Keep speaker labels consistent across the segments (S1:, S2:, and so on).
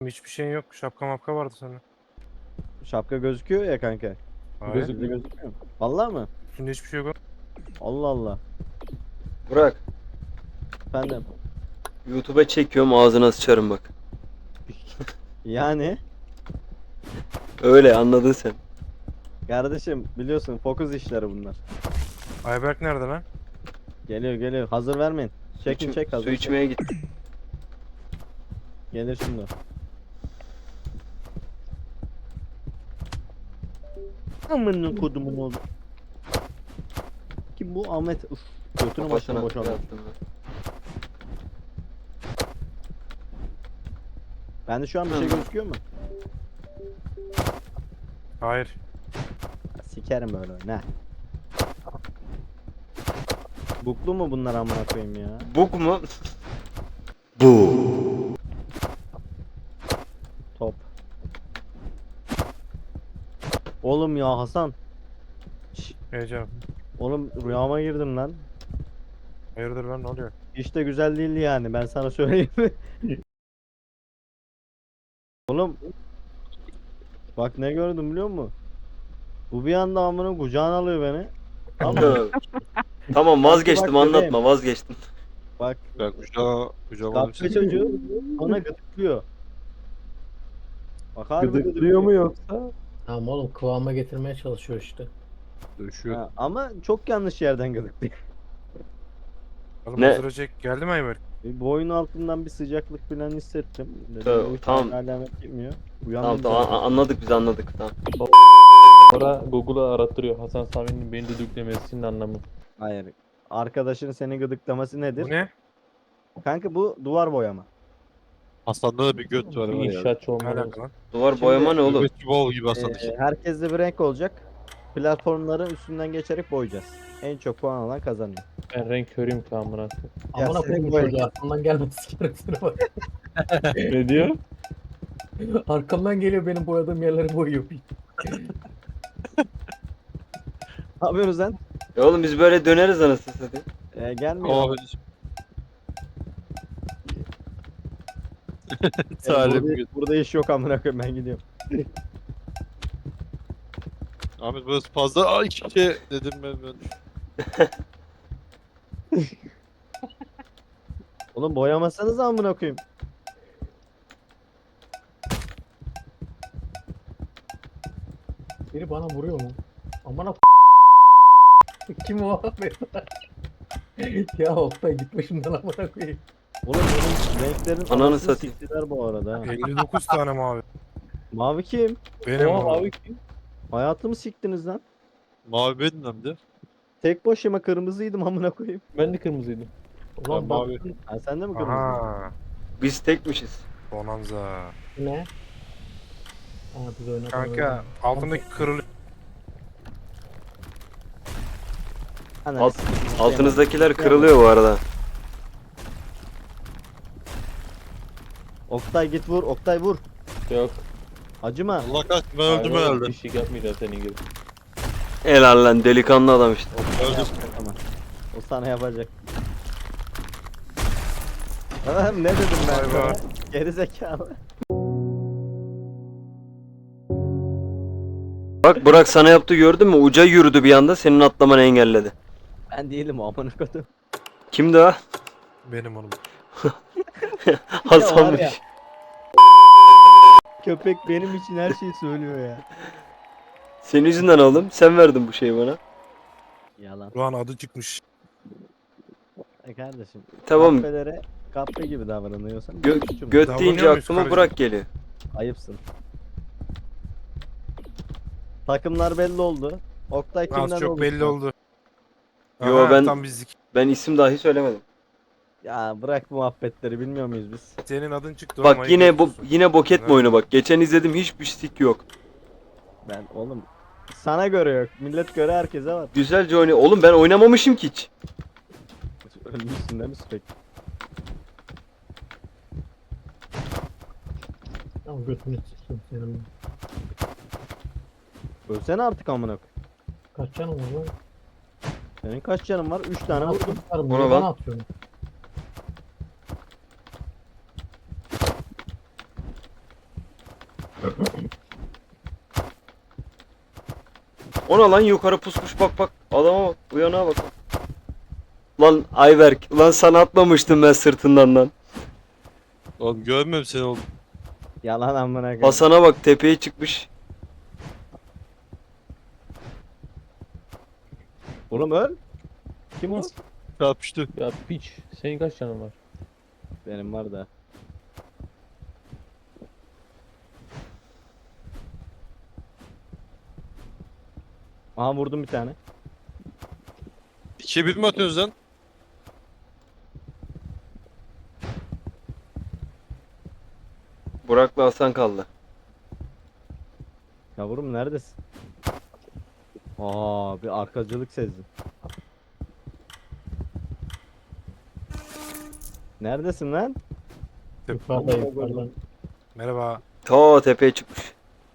S1: Hiçbir şeyin yok. Şapka mapka vardı senin.
S2: Şapka gözüküyor ya kanka.
S1: Hayır.
S2: Bizde gözükmüyor mu? Vallahi mı?
S1: Üstünde hiçbir şey yok.
S2: Allah Allah.
S3: Burak,
S2: Efendim.
S3: YouTube'a çekiyorum ağzına sıçarım bak.
S2: Yani
S3: Öyle anladın sen.
S2: kardeşim biliyorsun fokus işleri bunlar.
S1: Ayberk nerede lan?
S2: Geliyor geliyor. Hazır vermeyin. Çekin çek hazır.
S3: Su içmeye git.
S2: Gelir şimdi. Amına kodumun oğlu. Kim bu Ahmet? Uf. Götünü başına
S3: Kafasına
S2: boşaldı.
S3: yaptım ben.
S2: Bende şu an bir şey gözüküyor mu?
S1: Hayır.
S2: Sikerim böyle ne? Buklu mu bunlar amına koyayım ya?
S3: Bug mu? Bu.
S2: Top. Oğlum ya Hasan. Şş,
S1: Heyecan.
S2: oğlum rüyama girdim lan.
S1: Hayırdır lan ne oluyor?
S2: Hiç de güzel değildi yani ben sana söyleyeyim mi? Oğlum bak ne gördüm biliyor musun? Bu bir anda amına kucağına alıyor beni. Ama
S3: Tamam vazgeçtim
S2: bak
S3: anlatma vazgeçtim.
S2: bak
S4: Ya kucağa
S2: kapça çocuğu ona gıdıklıyor. Bak harbi
S5: Gıdıklıyor mu yoksa?
S6: Tamam oğlum kıvama getirmeye çalışıyor işte.
S4: döşüyor.
S2: Ha, ama çok yanlış yerden gıdıklıyor.
S1: Oğlum
S3: Ne?
S1: hazır çek. Geldi mi Ayberk?
S2: Boyun altından bir sıcaklık falan hissettim. Dedim,
S3: Tamam,
S2: bu hiç
S3: tamam.
S2: alamet gitmiyor.
S3: Tamam
S2: Uyandım
S3: tamam
S2: zaten.
S3: anladık biz anladık tamam.
S5: Sonra Google'a arattırıyor Hasan Sami'nin beni düdüklemesinin anlamı.
S2: Hayır. Arkadaşın seni gıdıklaması nedir?
S1: Bu ne?
S2: Kanka bu duvar boyama.
S4: Hasan'da da bir göt var
S5: Bir
S4: var ya.
S5: inşaatçı
S1: Ne
S5: olmalı.
S1: alaka lan?
S3: Duvar
S2: Şimdi-
S3: boyama ne oğlum?
S4: Göbekçi bol gibi Hasan.
S2: Herkeste bir renk olacak. Platformların üstünden geçerek boyayacağız. En çok puan alan kazanıyor.
S5: Ben renk körüyüm ki amına koyayım.
S2: Ya
S6: Amına
S2: senin
S6: koyayım bu
S2: bu
S6: çocuğu arkamdan gelmez sikerim seni bak.
S5: Ne diyor?
S6: Arkamdan geliyor benim boyadığım yerleri boyuyor.
S2: Ne yapıyorsunuz lan?
S3: Oğlum biz böyle döneriz anasını satayım.
S2: Gelmiyor.
S4: Ama
S2: Burada iş yok amına koyayım ben gidiyorum.
S4: Ahmet burası fazla. Ay iki dedim ben.
S2: Oğlum boyamasanız amına koyayım.
S6: Biri bana vuruyor mu? Amına kim o abi? Ya Oktay git başımdan amına koyayım.
S2: Oğlum benim renklerin
S3: Ananı
S2: anasını
S3: satayım.
S2: siktiler bu arada. ha.
S1: 59 tane mavi.
S2: Mavi kim?
S1: Benim
S5: Oha
S1: bu.
S5: abi kim?
S2: Hayatımı siktiniz lan.
S4: Mavi benim hem de.
S2: Tek başıma kırmızıydım amına koyayım.
S5: Ben de kırmızıydım.
S6: Ulan
S4: Ben
S6: bak
S4: mavi.
S2: Ha sen de mi kırmızıydın?
S1: Aha.
S3: Biz tekmişiz.
S1: Bonanza.
S6: ne? Ha biz oynadık.
S1: Kanka altındaki kırılıyor.
S2: Ananı
S3: Alt-
S2: sikeyim,
S3: Altınızdakiler kırılıyor bu arada.
S2: Oktay git vur. Oktay vur.
S5: Yok.
S2: Acıma.
S4: Allah kahretsin ben öldüm
S5: Hayır,
S4: herhalde.
S5: Kişilik yapmayacağım senin gibi.
S3: Helal lan delikanlı adam işte.
S4: Öldüm.
S2: Tamam. O sana yapacak. Oğlum ne dedim ben
S1: Vay
S2: sana?
S1: vay.
S2: Geri zekalı.
S3: Bak Burak sana yaptı gördün mü? Uca yürüdü bir anda senin atlamanı engelledi.
S2: Ben değilim o amına koydum.
S3: Kimdi o?
S1: Benim oğlum.
S3: Hasan'mış.
S2: Köpek benim için her şeyi söylüyor ya.
S3: Senin yüzünden oğlum. Sen verdin bu şeyi bana.
S2: Yalan.
S1: Ruhan adı çıkmış.
S2: Kardeşim.
S3: Tamam.
S2: Kahvelere kahve gibi davranıyorsan.
S3: Gö-
S2: benim suçum.
S3: göt
S1: Davranıyor
S3: deyince
S1: muyuz
S3: aklıma
S1: karıcığım?
S3: Burak geliyor.
S2: Ayıpsın. Takımlar belli oldu. Oktay kimden
S1: Az çok
S2: oldu?
S1: belli oldu.
S3: Yo,
S1: Aha,
S3: ben-
S1: Tam bizlik.
S3: Ben isim dahi söylemedim.
S2: Ya bırak bu muhabbetleri bilmiyor muyuz biz?
S1: Senin adın çıktı oğlum,
S3: Bak
S1: ayıp
S3: yine
S1: ediyorsun.
S3: yine boket mi
S1: Ha.
S3: oyunu bak. Geçen izledim hiçbir sik yok.
S2: Ben oğlum sana göre yok. Millet göre herkese var.
S3: Güzelce oynuyor. Oğlum ben oynamamışım ki hiç.
S2: Ölmüşsün değil mi sürekli?
S6: Tamam götünü sikeyim senin.
S2: Ölsene artık amına koy.
S6: Kaç canım var lan?
S2: Senin kaç canın var? 3 tane vurdum.
S6: Ona
S3: Ona
S6: bana
S3: bak.
S6: atıyorsun.
S3: Ona lan yukarı pusmuş bak bak. Adama bak. Uyana bak. Lan Ayberk. Lan sana atmamıştım ben sırtından lan.
S4: Oğlum görmüyorum seni oğlum.
S2: Yalan amına koyayım.
S3: Hasan'a bak tepeye çıkmış.
S2: Oğlum öl. Kim o?
S4: Çarpıştı.
S5: Ya piç. Senin kaç canın var?
S2: Benim var da. Aha vurdum bir tane.
S4: 2'ye 1 mi atıyorsunuz lan?
S3: Burak'la Hasan kaldı.
S2: Yavrum neredesin? Aa bir arkacılık sezdim. Neredesin lan?
S6: Yukarıda yukarıda.
S1: Merhaba.
S3: Ta tepeye çıkmış.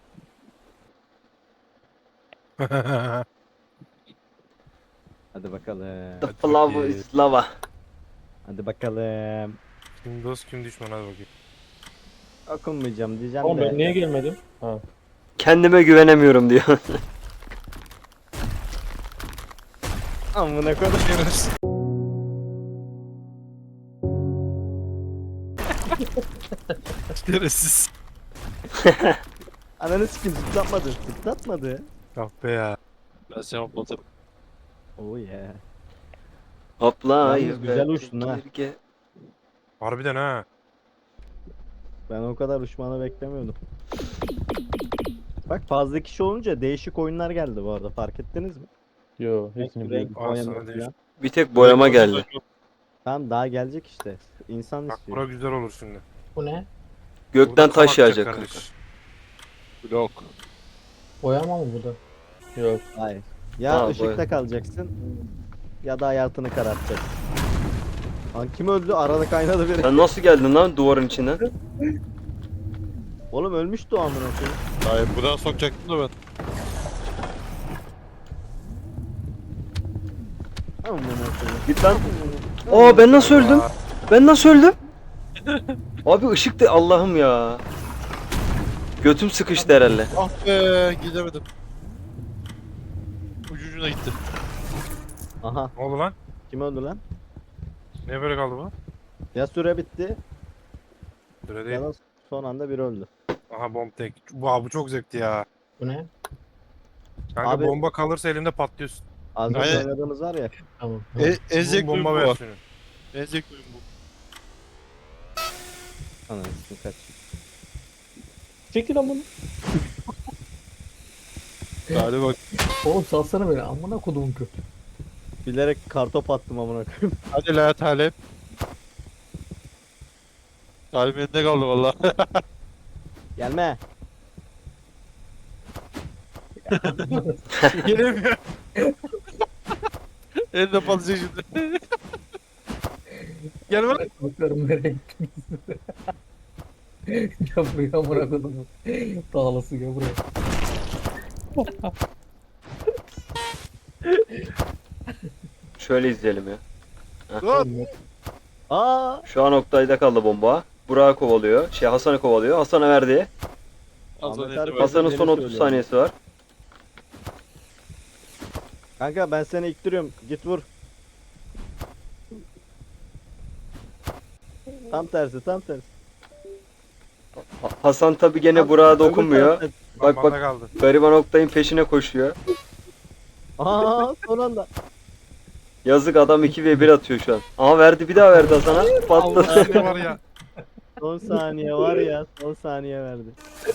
S2: Hadi bakalım.
S3: The
S1: Hadi
S3: flower
S1: bakayım.
S3: is lava.
S2: Hadi bakalım.
S1: Kim dost kim düşman hadi bakayım.
S2: Okunmayacağım diyeceğim
S5: Oğlum
S2: de.
S5: ben niye gelmedim? Ha.
S3: Kendime güvenemiyorum diyor.
S2: Amına koydum.
S1: Şerefsiz.
S2: Ananı sikim zıplatmadı. Zıplatmadı.
S1: Ah be ya.
S4: Ben seni atladım.
S2: Oh yeah.
S3: Hopla
S2: Yalnız
S3: Ayberk.
S2: güzel uçtun ha.
S3: Girge.
S1: Harbiden ha.
S2: Ben o kadar uçmanı beklemiyordum. Bak fazla kişi olunca değişik oyunlar geldi bu arada fark ettiniz mi?
S5: Yo hepsini
S2: Renk,
S5: biliyorum.
S1: Aa,
S2: oynama
S1: sana değişik.
S2: falan.
S3: Bir tek boyama geldi.
S2: Tamam daha gelecek işte. İnsan
S1: Bak
S2: istiyor.
S1: bura güzel olur şimdi.
S6: Bu ne?
S3: Gökten
S1: Burada
S3: taş
S1: kam
S3: yağacak
S1: atacak
S3: kanka.
S4: Blok.
S6: Boyama mı bu da?
S5: Yok.
S2: Hayır. Ya
S3: Ha,
S2: ışıkta
S3: boya.
S2: kalacaksın ya da hayatını karartacaksın. Lan kim öldü? Arada kaynadı biri.
S3: Sen nasıl geldin lan duvarın içinden?
S2: Oğlum ölmüştü o amına koyayım.
S4: Hayır buradan sokacaktım da ben.
S2: Amına koyayım.
S3: Git lan. Aa ben nasıl öldüm? Ben nasıl öldüm? Abi ışık da Allah'ım ya. Götüm sıkıştı herhalde.
S4: Ah be gidemedim. Ucucuna gitti.
S2: Aha
S1: Ne oldu lan?
S2: kim öldü lan?
S1: Niye böyle kaldı bu?
S2: Ya süre bitti
S1: Böyle
S2: ya
S1: değil.
S2: da son anda biri öldü.
S1: Aha bomb tek. Bu çok zevkli ya.
S6: Bu ne?
S1: Kanka
S2: Abi-
S1: bomba kalırsa elimde patlıyorsun.
S2: Az önce
S4: Aynen.
S2: oynadığımız var ya.
S6: Tamam.
S4: En
S1: Bu
S4: zevkli oyun bu
S1: bomba
S4: var.
S1: versiyonu.
S4: En zevkli oyun bu.
S2: Anasını kaç.
S5: Çekil lan bunu.
S4: Hadi bak.
S6: Oğlum salsana beni. Amına kodumun kötü.
S2: Bilerek kartop attım amına koyayım.
S4: Hadi la Talep. Talip elinde kaldı valla.
S2: Gelme.
S1: Gelemiyor.
S4: Elinde patlayacak şimdi.
S1: Gel lan.
S6: Bakarım nereye gittiniz. Ya buraya amına kodumun. Dağılası ya buraya.
S3: Şöyle izleyelim ya.
S1: Dur.
S2: Aa!
S3: Şu an Oktay'da kaldı bomba. Burak'ı kovalıyor. Hasan'ı kovalıyor. Hasan'a verdi.
S2: Ahmet abi-
S3: Hasan'ın son
S2: Beni
S3: 30
S2: söylüyor.
S3: saniyesi var.
S2: Kanka ben seni ittiriyorum. Git vur. Tam tersi, tam tersi.
S3: Hasan tabi gene
S2: Tam-
S3: Burak'a
S2: öbür
S3: dokunmuyor.
S2: tarafta.
S3: Bak,
S1: Bak
S3: bak.
S1: bak. kaldı.
S3: Gariban Oktay'ın peşine koşuyor.
S2: Aa, son anda.
S3: Yazık adam 2v1 atıyor şu an. Aha verdi bir daha verdi Hasan'a. Patladı.
S1: Ne var ya?
S2: Son saniye var ya, son saniye verdi.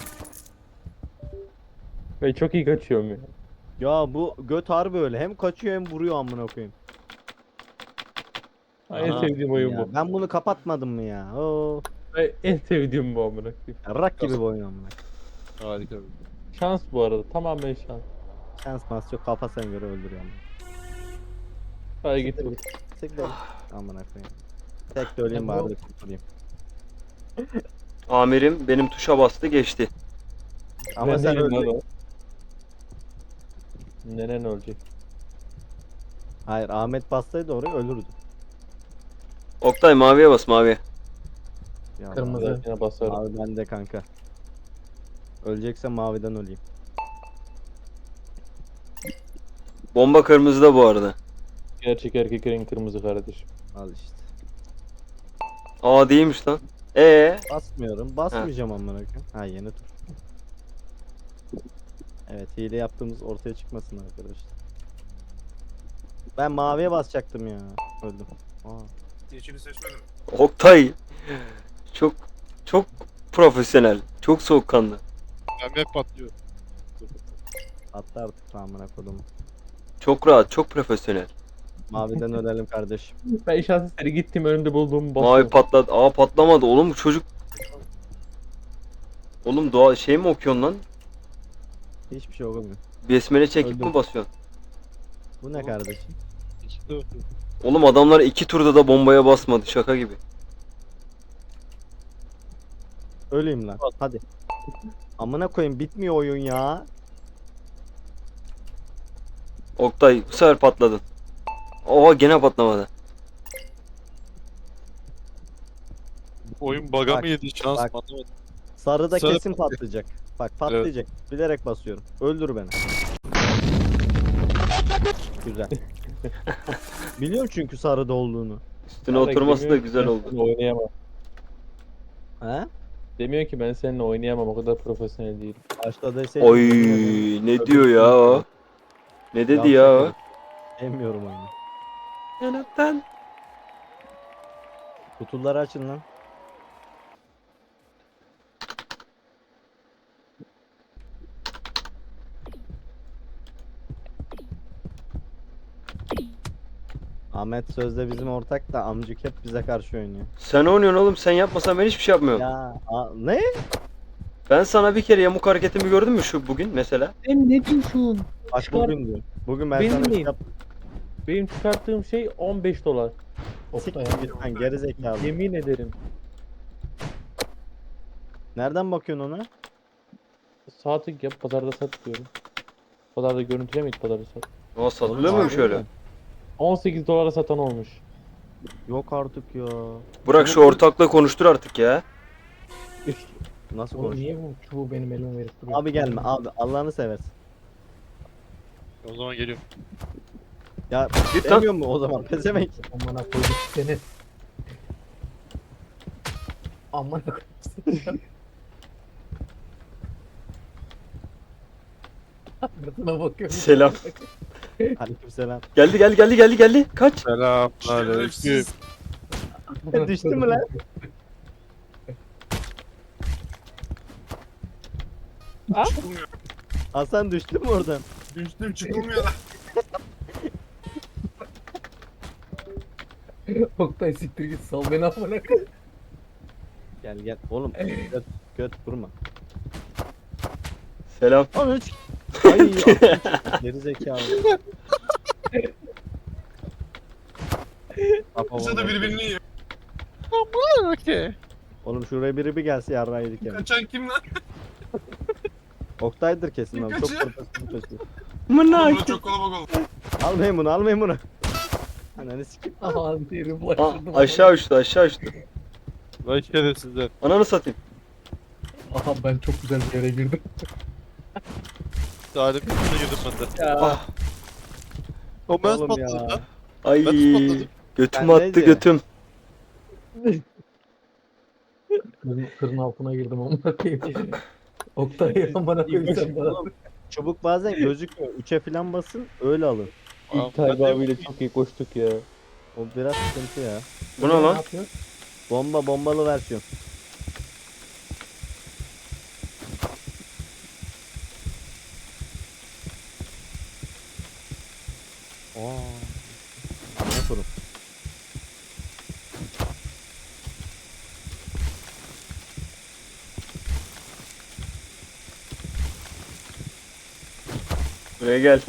S5: Ve çok iyi kaçıyorum ya.
S2: Ya bu göt harbi öyle. Hem kaçıyor hem vuruyor amına koyayım.
S5: En
S4: Aha.
S5: sevdiğim oyun
S2: Ya,
S5: bu.
S2: ben bunu kapatmadım mı ya? Oo.
S5: En sevdiğim bu amına koyayım.
S2: Rak gibi bir oyun amına.
S4: Harika.
S5: Şans bu arada. Tamamen şans.
S2: Şans mas yok, kafasına göre öldürüyor amına.
S5: Hadi git vur.
S2: Siktir. Amına koyayım. Tek de öleyim
S6: Ya
S2: bari
S6: bu-
S2: de kurtulayım.
S3: Amirim benim tuşa bastı geçti.
S2: Ama
S5: Ben
S2: sen
S5: değilim lan
S2: öldün.
S5: o. Nenen ölecek.
S2: Hayır, Ahmet bassaydı oraya ölürdü.
S3: Oktay maviye bas maviye.
S2: Ya
S6: Kırmızı.
S5: Yine basarım.
S2: Abi bende kanka. Ölecekse maviden öleyim.
S3: Bomba kırmızıda bu arada.
S5: Gerçek erkek renk kırmızı kardeşim.
S2: Al işte.
S3: Aa değilmiş lan.
S2: Basmıyorum. Basmayacağım amına koyayım. Ha yeni tur. Evet hile yaptığımız ortaya çıkmasın arkadaşlar. Ben maviye basacaktım ya. Öldüm. Aa.
S1: Yeşili seçmedim.
S3: Oktay. Çok çok profesyonel. Çok soğukkanlı.
S4: Ben hep patlıyor.
S2: Attı artık amına kodumu.
S3: Çok rahat, çok profesyonel.
S2: Maviden ölelim kardeşim.
S5: Ben şansı seri gittim önünde bulduğumu
S3: Mavi
S5: basıyorum.
S3: patladı. Aa patlamadı. Oğlum bu çocuk. Oğlum doğa şey mi okuyorsun lan?
S2: Hiçbir şey olmuyor.
S3: Besmele çekip
S2: Öldüm.
S3: mi basıyorsun?
S2: Bu ne kardeşim?
S4: İşte o.
S3: Oğlum adamlar 2 turda da bombaya basmadı. Şaka gibi.
S2: Öleyim lan. Hadi. Amına koyayım bitmiyor oyun ya.
S3: Oktay bu sefer patladın. Oha gene patlamadı.
S4: Oyun bug'a
S2: Bak,
S4: mı yedi şans
S2: bak.
S4: mı anlamadım.
S2: Sarıda
S4: Sarı
S2: kesin patlayacak. Bak patlayacak. Bilerek basıyorum. Öldür beni. Güzel. Biliyorum çünkü sarıda olduğunu.
S3: Üstüne
S5: Ama
S3: oturması da
S5: demiyor ki
S3: güzel
S5: ben
S3: oldu.
S5: seninle Oynayamam.
S2: He?
S5: Demiyor ki ben seninle oynayamam, o kadar profesyonel değilim.
S2: Başta deseydin.
S3: Oy ne diyor ya o? Ne dedi ya o?
S2: Sevmiyorum oyunu.
S3: Yanaktan.
S2: Kutuları açın lan. Ahmet sözde bizim ortak da amcık hep bize karşı oynuyor.
S3: Sen oynuyorsun oğlum, sen yapmasan ben hiçbir şey yapmıyorum.
S2: Ya ne?
S3: Ben sana bir kere yamuk hareketimi gördün mü şu bugün mesela?
S5: Sen ne diyorsun?
S2: Bak
S5: Çıkar.
S2: bugün diyor. Bugün ben
S5: Benim
S2: sana bir şey
S5: miyim?
S2: yap.
S5: Benim çıkarttığım şey 15 dolar.
S6: Oktay
S2: Siktir git lan geri zekalı.
S5: Yemin ederim.
S2: Nereden bakıyorsun ona?
S5: Saati yap, pazarda sat diyorum. Pazarda görüntüle miydi pazarda sat?
S3: O satılıyor muymuş öyle?
S5: 18 dolara satan olmuş.
S2: Yok artık ya.
S3: Burak şu ortakla konuştur artık ya.
S2: Nasıl
S6: Oğlum
S2: konuşuyor?
S6: niye bu çubuğu benim elime verip duruyor?
S2: Abi gelme abi Allah'ını seversin.
S4: O zaman geliyorum.
S2: Ya
S3: Git lan.
S2: demiyor mu o zaman pezevenk?
S6: Amına koyduk seni. Amına koyduk. Sırtına bakıyorum.
S3: Selam.
S2: Aleykümselam.
S3: Geldi. Kaç.
S4: Selamünaleyküm.
S2: Düştü mü lan? Hasan düştü mü oradan?
S1: Düştüm çıkılmıyor lan.
S6: Oktay siktir git sal beni amına koyayım.
S2: Gel oğlum göt vurma.
S3: Selam.
S2: Onu hiç. Ay geri zekalı.
S1: Kısa da birbirini yiyor.
S4: Okey.
S2: Oğlum şuraya biri bir gelse yarrağı yedik yani.
S1: Kaçan kim lan?
S2: Oktay'dır kesin abi. Çok
S1: Kaçıyor.
S2: profesyonel kaçıyor.
S1: Burada çok kalabalık oldu.
S2: Almayın bunu. Ananı sikeyim.
S6: Aha diyelim
S3: Aa,
S6: bulaştırdım.
S3: aşağı uçtu.
S4: Vay şerefsizler.
S3: Ananı satayım.
S6: Aha ben çok güzel bir yere girdim.
S4: Talim içine girdim ben de.
S3: Ah,
S4: O ben
S2: Oğlum
S4: patladım
S2: ya.
S4: lan.
S3: ay.
S4: Ben patladım.
S3: Götüm
S2: Ben
S3: attı
S2: neydi?
S3: götüm.
S6: Kırın altına girdim amına koyayım. Oktay amına koyayım sen bana.
S2: Çubuk bazen gözükmüyor. 3'e falan basın öyle alın.
S5: İlk Tayyip abiyle çok iyi koştuk ya.
S2: O biraz sıkıntı ya.
S3: Bu ne lan?
S6: yapıyor?
S2: Bombalı versiyon. Ne kurum?
S3: Buraya gel.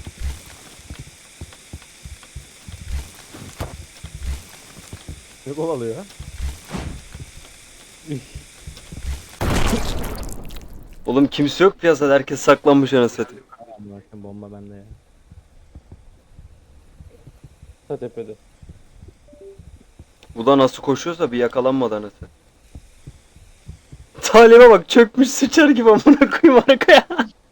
S2: Ne kovalıyor ha?
S3: Oğlum kimse yok piyasada, herkes saklanmış anasını satayım.
S2: Bakın bomba bende ya.
S5: Ta tepede.
S3: Bu da nasıl koşuyorsa bir yakalanmadı anasını. Talime bak çökmüş sıçar gibi amına koyayım arkaya.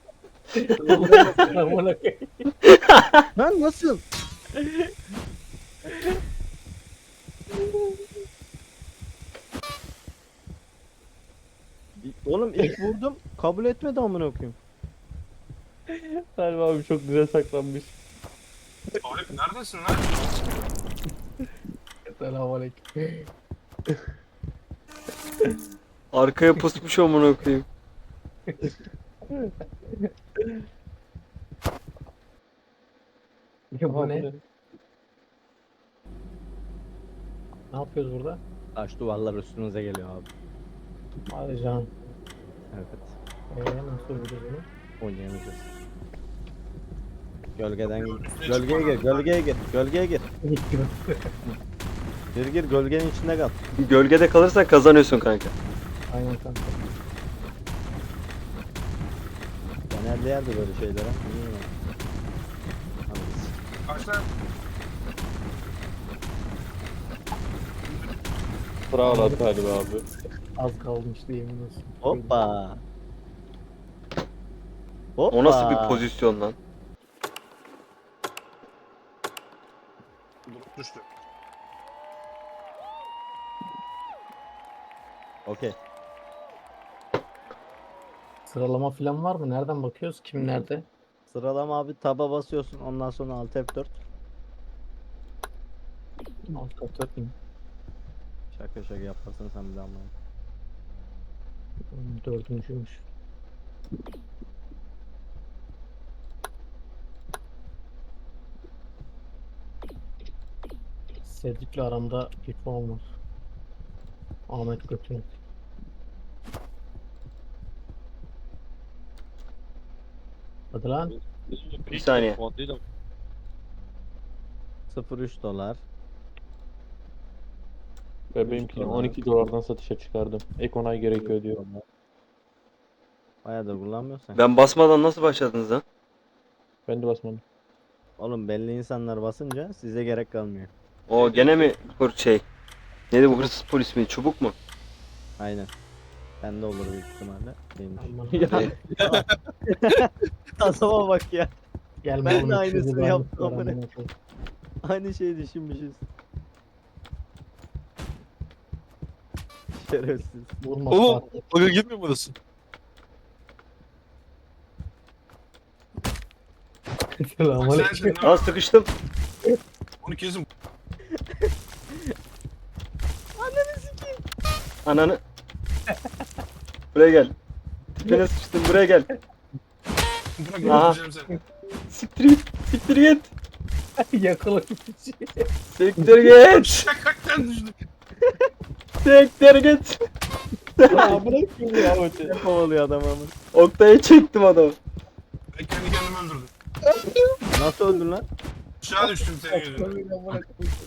S6: Amına koyayım.
S2: Lan nasıl? Oğlum ilk vurdum kabul etmedi amına koyayım.
S5: Salim abi çok güzel saklanmış.
S1: Talip neredesin lan?
S6: Selamünaleyküm.
S3: Arkaya pusmuş amına koyayım.
S6: Ya bu
S5: Aha,
S6: ne? Ne yapıyoruz burada?
S2: Taş duvarlar üstünüze geliyor abi.
S6: Hadi can.
S2: Evet.
S6: Nasıl öldürüyoruz bunu?
S2: Oynayamayacağız. Gölgeden
S1: Üstüne
S2: gölgeye gir,
S1: çıkma lan.
S2: gölgeye gir, gölgeye gir. Gir gölgenin içinde kal.
S3: Gölgede kalırsan kazanıyorsun kanka.
S6: Aynen kanka.
S2: Genelde yerde böyle şeylere. Bilmiyorum. Anladınız.
S1: Kaç lan?
S5: Bravo Salim abi.
S6: Az kalmıştı yemin olsun.
S2: Hoppa. Hoppa.
S3: O nasıl bir pozisyon lan?
S1: Durup düştü.
S2: Okey.
S6: Sıralama falan var mı? Nereden bakıyoruz? Kim nerede?
S2: Sıralama abi taba basıyorsun ondan sonra alt F4.
S6: Alt katör mü?
S2: Şaka şaka yaparsın sen bir daha ama.
S6: Dördüncüymüş. Cedric'le aramda bir puan var. Ahmet götürün. Hadi lan.
S3: Bir saniye.
S2: 0.3 dolar.
S5: Ve benimkini 12 dolardan satışa çıkardım. Ek onay gerekiyor diyor.
S2: Bayağıdır kullanmıyorsan.
S3: Ben basmadan nasıl başladınız lan?
S5: Ben de basmadım.
S2: Oğlum belli insanlar basınca size gerek kalmıyor.
S3: O gene mi şey? Neydi bu hırsız polis mi? Çubuk mu?
S2: Aynen. Bende olur büyük ihtimalle. Değilmiş.
S6: Aman
S2: Adama bak ya.
S6: Gelme
S2: Ben de
S6: bunu
S2: aynısını
S6: çözü
S2: yaptım
S6: ben
S2: amına.
S6: amına koyayım.
S2: Aynı şeyi düşünmüşüz. Şerefsiz.
S6: Vurma
S4: Oğlum
S6: Fatih.
S4: bugün gitmiyor mu burası?
S6: Selamünaleyküm.
S1: Sensin
S3: Aa
S1: lan.
S3: sıkıştım.
S1: Onu kesin.
S3: Ananı. Buraya gel. Tipine sıçtım buraya gel.
S1: Bırak
S3: Aha.
S1: öldüreceğim seni.
S3: Siktir git. Siktir git.
S6: Yakala bir şey.
S3: Siktir git.
S1: Şakaktan düştü.
S3: Siktir git.
S5: Aa bırak ya Ahmet'i.
S2: Ne kovalıyor adam ama.
S3: Oktay'a çektim adamı.
S1: Ben kendi kendimi öldürdüm.
S2: Nasıl öldün lan?
S1: Aşağı düştüm senin yüzünden.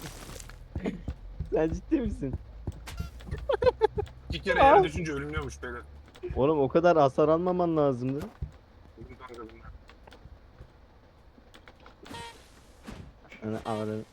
S2: Sen ciddi misin?
S1: 2 kere yere düşünce ölümlüyormuş beyler.
S2: Oğlum o kadar hasar almaman lazımdı.
S1: Öldüm kanka bunlar.
S2: Yani anladım.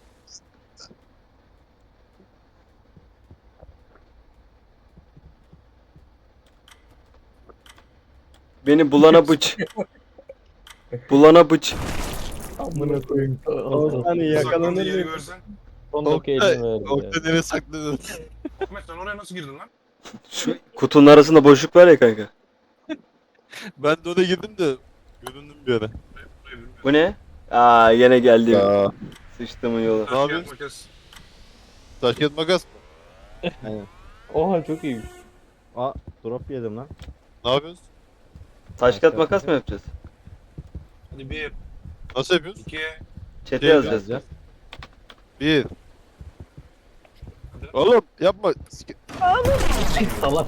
S3: Beni bulana bıç. Bulana bıç.
S6: Amına koyayım.
S2: Hani yakalanır
S1: Saklandığı yeri
S2: mı?
S1: görsen.
S5: Son dakika elini verdi ya.
S4: Oktay nereye sakladın?
S1: Ahmet sen oraya nasıl girdin lan?
S3: Şu kutunun arasında boşluk var ya kanka.
S4: Ben de oraya girdim de göründüm bir ara.
S1: Buraya bilmiyorum.
S3: Bu ne? Aa yine geldi. Sıçtımın yolu.
S1: Taş, kağıt,
S4: yapıyorsun?
S1: makas.
S4: Taş kağıt makas mı?
S2: Aynen.
S5: Oha çok iyi.
S2: Aa drop yedim lan.
S4: Ne yapıyorsun?
S3: Taş kağıt makas mı yapacağız?
S1: Hadi 1,
S4: Nasıl yapıyorsun?
S1: 2,
S3: Chat'e
S4: Şey
S3: yazacağız.
S2: Yazacağız.
S4: Bir. Oğlum yapma.
S6: Salak.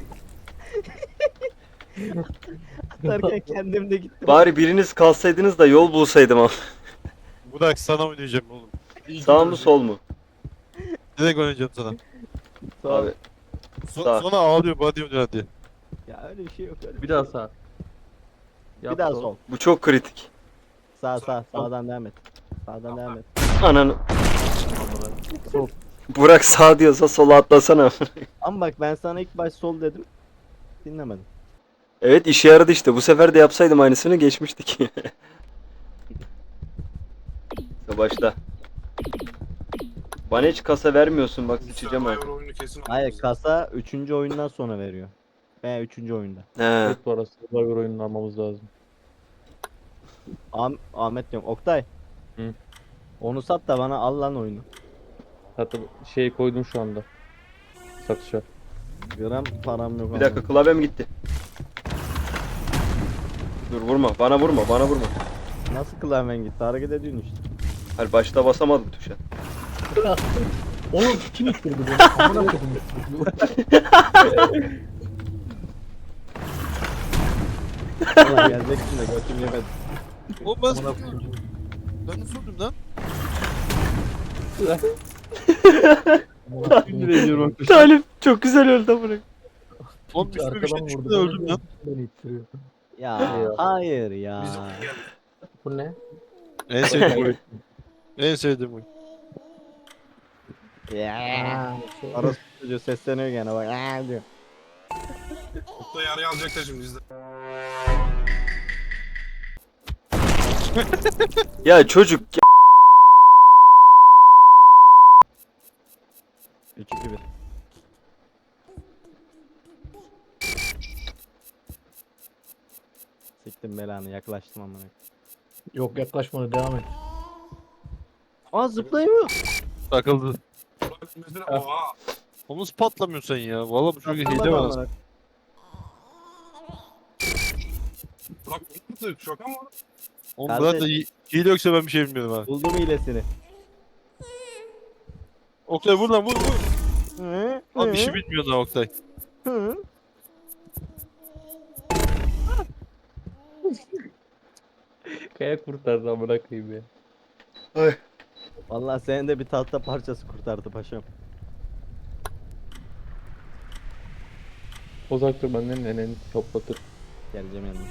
S2: Atarken kendim de gittim.
S3: Bari biriniz kalsaydınız da yol bulsaydım ama.
S4: Burak sana oynayacağım oğlum.
S3: Sağ mı sol mu?
S4: Direkt oynayacağım sana.
S3: Abi Sağ.
S4: Sonra ağlıyor bana diyor hadi.
S2: Ya öyle bir şey yok öyle.
S5: Bir daha sağ.
S2: Bir daha sol.
S3: bu çok kritik.
S2: Sağdan devam et. Sağdan devam et.
S3: Ananı.
S5: Sol.
S3: Burak sağ diyorsa sola atlasana.
S2: Ama bak ben sana ilk baş sol dedim. dinlemedim.
S3: Evet işe yaradı işte. Bu sefer de yapsaydım aynısını geçmiştik. Başla. Bana hiç kasa vermiyorsun bak sıçacağım
S1: Survivor
S3: artık.
S1: oyunu kesin
S2: Hayır
S1: alırız.
S2: kasa 3. oyundan sonra veriyor. Veya 3. oyunda.
S3: He.
S5: Evet bu arada Survivor oyununu almamız lazım.
S2: Ahmet diyorum. Oktay.
S5: Hı.
S2: Onu sat da bana al lan oyunu.
S5: Hatta şey koydum şu anda. Satışa.
S2: Gram param yok.
S3: Bir dakika
S2: ama.
S3: klavyem gitti. Dur vurma. Bana vurma. Bana vurma.
S2: Nasıl klavyen gitti? Hareket ediyorsun işte.
S3: Hayır başta basamadım tuşa.
S6: Oğlum kim ittirdi beni? Amına koydum.
S2: Valla geleceksin de götüm yemedi.
S4: O ben
S6: Amına koydum.
S4: ben nasıl öldüm lan?
S6: Amına koydum.
S3: Talim çok güzel öldü amına.
S4: Oğlum üstüme bir şey
S6: Arkadan
S4: düştü
S6: vurdu.
S4: de öldüm lan.
S6: Beni ittiriyor.
S2: Ya hayır ya.
S1: Biz geldik.
S6: Bu ne?
S4: En sevdiğim oyun. En sevdiğim oyun.
S2: Ya.
S6: Aa, şey.
S2: Arası çocuğu sesleniyor gene bak. Diyor.
S1: Oktay araya alacaklar şimdi bizde.
S3: Ya çocuk ya.
S2: 3-2-1. Siktim belanı yaklaştım amına.
S6: Yok yaklaşmadı devam et.
S2: Aa zıplayamıyor.
S4: Takıldı.
S1: Burak mesela oha.
S4: Oğlum nasıl patlamıyorsun sen ya? Valla bu çocuk hile
S2: Zıplamadı
S4: var.
S2: amına.
S1: Burak nasıl şok ama.
S4: Oğlum
S2: Kardeş.
S4: zaten hile yoksa ben bir şey bilmiyorum ha.
S2: Buldum hilesini.
S4: Oktay vur lan vur vur.
S2: Hı,
S4: Lan bir
S2: hı,
S4: şey bilmiyorsun ha Oktay.
S2: hı.
S5: Kaya kurtardı amına koyayım ya.
S2: Vallahi senin de bir tahta parçası kurtardı paşam.
S5: Uzak dur benden neneni toplatır.
S2: Geleceğim yanına.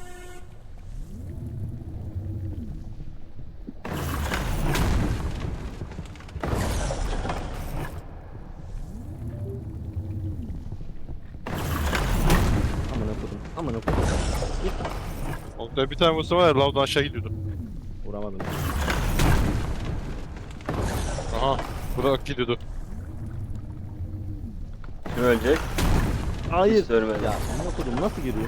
S2: Amına kodum. Amına kodum.
S4: Oktay bir tane vursa var ya lavdan aşağı gidiyordu.
S2: Vuramadım.
S4: Aha. Burak gidiyordu.
S3: Kim ölecek?
S2: Hayır.
S3: Hiç ölmedi.
S2: Ya amına kodum nasıl giriyor?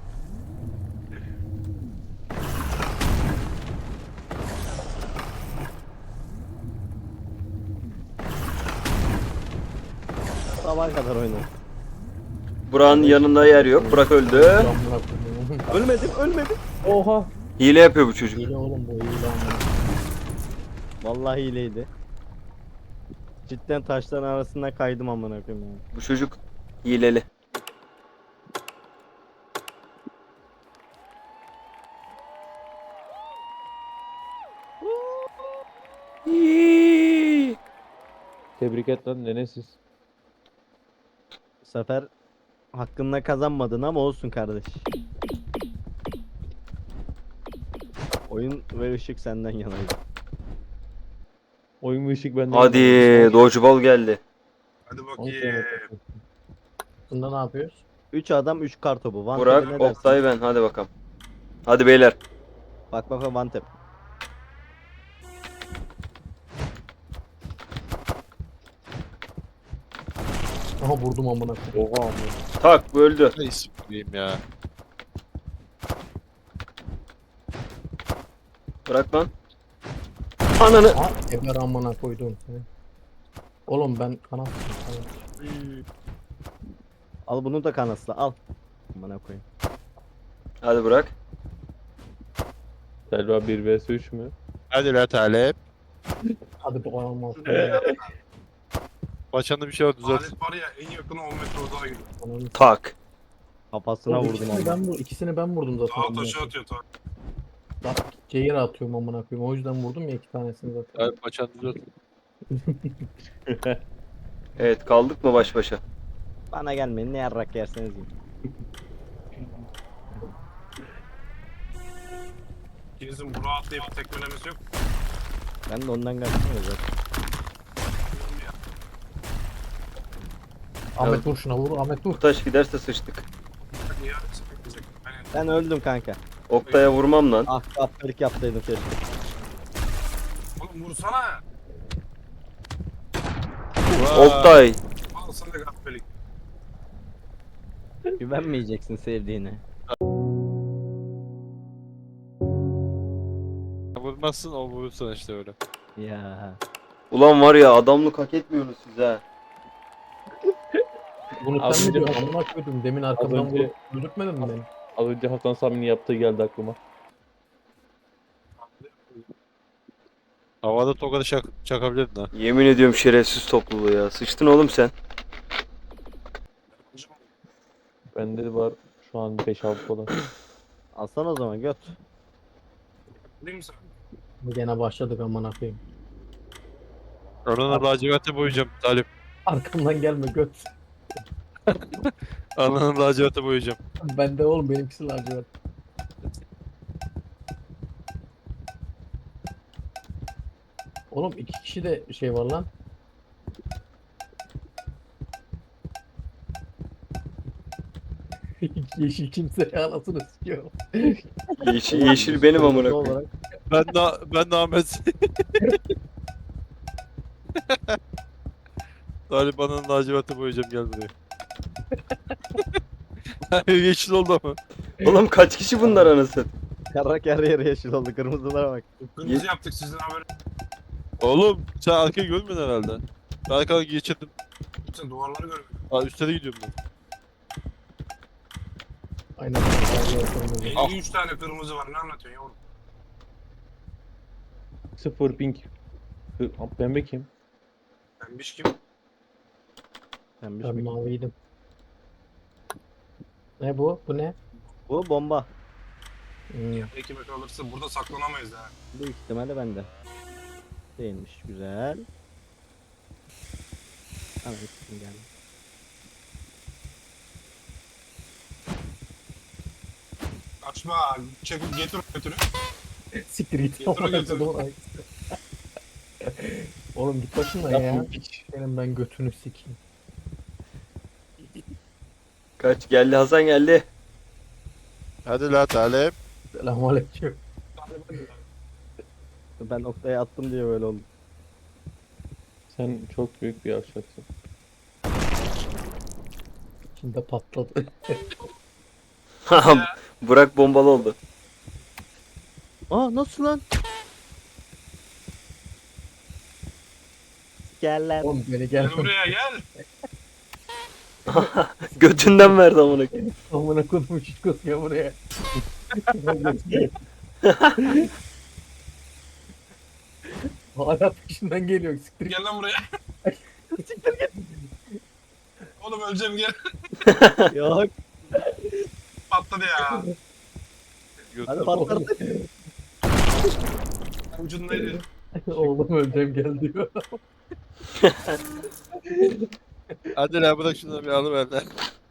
S2: Sabaha kadar oynadım.
S3: Burak'ın yanında yer yok. Burak öldü.
S6: Amına koydum.
S2: Ölmedim, ölmedim.
S5: Oha.
S3: Hile yapıyor bu çocuk.
S6: Hile oğlum bu hile amına.
S2: Vallahi hileydi. Cidden taşların arasında kaydım amına koyayım ya.
S3: Bu çocuk hileli.
S5: Tebrik et lan nenesiz.
S2: Bu sefer hakkında kazanmadın ama olsun kardeş. Oyun ve ışık senden yanaydı.
S5: Oyun ve ışık benden.
S3: Hadi dodgeball geldi.
S1: Hadi
S6: Onu
S1: bakayım.
S6: söyle. Bunda ne yapıyoruz?
S2: 3 adam 3 kartopu. One tap'e
S3: Burak,
S2: ne dersin?
S3: Oktay ben. Hadi bakalım. Hadi beyler.
S2: Bak bak bak one tap.
S6: Aha vurdum amına koyayım.
S5: Oha amına.
S3: Tak bu öldü.
S4: Ne isim diyeyim ya.
S3: Bırak lan. Ananı.
S6: Ha eber amına koydum seni. Oğlum ben kanat.
S2: Al bunu da kanasla al. Amına koyayım.
S3: Hadi bırak.
S5: Selva 1 vs 3 mü?
S4: Hadi la talep.
S6: Hadi bu olmaz.
S4: Başında bir şey var düzelt.
S1: Alet var ya en yakını 10 metre uzağa gidiyor.
S3: Tak.
S2: Kafasına
S6: Oğlum,
S2: vurdum
S6: ikisini
S2: ama.
S6: ikisini ben vurdum zaten.
S1: Dağa
S6: amına
S1: taşı
S6: koyayım.
S1: atıyor ta.
S6: Bak C'ye atıyorum amına koyayım. O yüzden vurdum ya iki tanesini zaten.
S4: Hadi başında düzelt.
S3: Evet kaldık mı baş başa?
S2: Bana gelmeyin ne yarrak yerseniz yiyin.
S1: İkinizin Burak'ı atlayıp tekmelemesi yok.
S2: Ben de ondan kaçtım ya zaten.
S6: Ahmet vur şuna vur. Ahmet vur.
S3: Bu taş giderse sıçtık.
S1: Niye öyle Aynen.
S2: Ben öldüm kanka.
S3: Oktay'a vurmam lan.
S2: Ah kaptırık yaptıydım keşke.
S1: Oğlum vursana.
S3: Oktay.
S1: Al sana gafbelik.
S2: Güvenmeyeceksin sevdiğine.
S4: Vurmazsın o vurursan işte öyle.
S2: Ya.
S3: Ulan var ya adamlık hak etmiyorsunuz siz ha.
S6: Bunu
S5: Az
S6: sen mi
S5: önce-
S6: diyorsun? Amına koydum. Demin arkamdan
S5: önce-
S6: vurup öldürtmedin mi beni?
S5: Az önce Hasan Sami'nin yaptığı geldi aklıma.
S4: Havada tokadı çakabilirdin ha.
S3: Yemin ediyorum şerefsiz topluluğu ya. Sıçtın oğlum sen.
S5: Bende de var şu an 5-6 falan.
S2: Alsana o zaman göt.
S1: Değil mi sen?
S6: Gene başladık amına koyayım.
S4: Ananı laciverte boyayacağım Talip.
S6: Arkamdan gelme göt.
S4: Ananı laciverte boyayacağım.
S6: Bende oğlum benimkisi lacivert. Oğlum 2 kişi de şey var lan. Yeşil kimse anasını sikiyor.
S3: Yeşil benim amına
S2: Kırmızı
S3: koyayım.
S2: olarak.
S4: Ben de Ahmet. Talip ananı laciverte boyayacağım gel buraya. Yeşil oldu ama.
S3: Oğlum kaç kişi bunlar anasını?
S2: Kara her yeri yeşil oldu. Kırmızılara bak.
S1: Kırmızı yaptık sizin haber.
S4: Oğlum sen arkayı görmüyorsun herhalde. Ben arkadan geçirdim.
S1: Sen duvarları görmüyorsun.
S4: Aa üstte gidiyorum ben.
S6: Aynen.
S1: 53 tane kırmızı var. Ne anlatıyorsun yavrum?
S5: 0 ping. Pembe kim?
S1: Pembiş kim?
S2: Pembiş
S6: Ben
S2: mi?
S6: maviydim. Ne bu? Bu ne?
S2: Bu bomba.
S1: Ekime kalırsa burada saklanamayız ha.
S2: Büyük ihtimalle bende. Değilmiş. Güzel. Tamam ikisini geldi.
S1: Kaçma. Çekip getir götürü.
S6: Siktir git.
S1: Getir, getir.
S6: Oğlum git başımdan ya. Senin ben götünü sikeyim.
S3: Kaç geldi Hasan geldi.
S4: Hadi la Talip.
S6: Selamünaleyküm.
S2: Ben noktaya attım diye böyle oldu.
S5: Sen çok büyük bir yavşaksın.
S6: Şimdi patladı.
S3: Burak bombalı oldu.
S2: Aa nasıl lan? Gel lan.
S6: Oğlum beni
S1: Gel
S6: gel.
S1: buraya gel.
S3: Götünden verdi amına koyayım.
S6: Amına koydum şişkos ya buraya. Hala peşinden geliyor. Siktir git.
S1: Gel lan buraya. Oğlum öleceğim gel.
S2: Yok.
S1: Patladı ya.
S2: Hadi patlat.
S1: Ucundaydı.
S6: Oğlum öleceğim gel diyor.
S4: Hadi la bırak şunu bir alıver lan.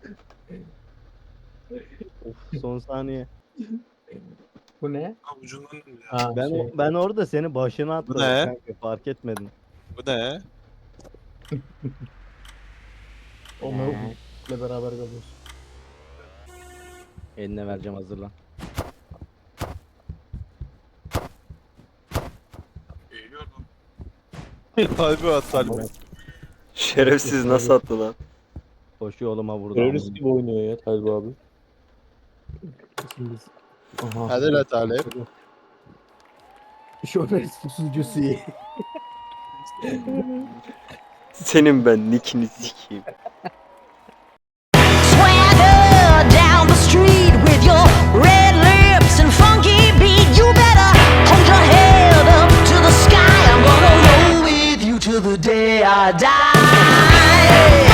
S2: Of, son saniye.
S6: Bu ne?
S1: Ha ucundan döndü ya.
S6: Ha,
S2: Ben
S6: şey.
S2: ben orada seni başına attım
S4: ne?
S2: kanka fark etmedin.
S4: Bu ne?
S6: O mevkule beraber kalıyoruz.
S2: Eline vereceğim hazırlan.
S1: Eğiliyor lan.
S4: Talip'e at Talip.
S3: Şerefsiz nasıl attı lan?
S2: Koşuyor oğluma vurdu.
S5: Terörist gibi oynuyor ya Talib abi.
S6: Şimdi aha.
S4: Hadi la Talip.
S6: Şoför susucusu.
S3: Senin ben nickini sikeyim.
S7: Swagger down the street with your red lips and funky beat. You better hold your head up to the sky. I'm gonna roll with you till the day I die.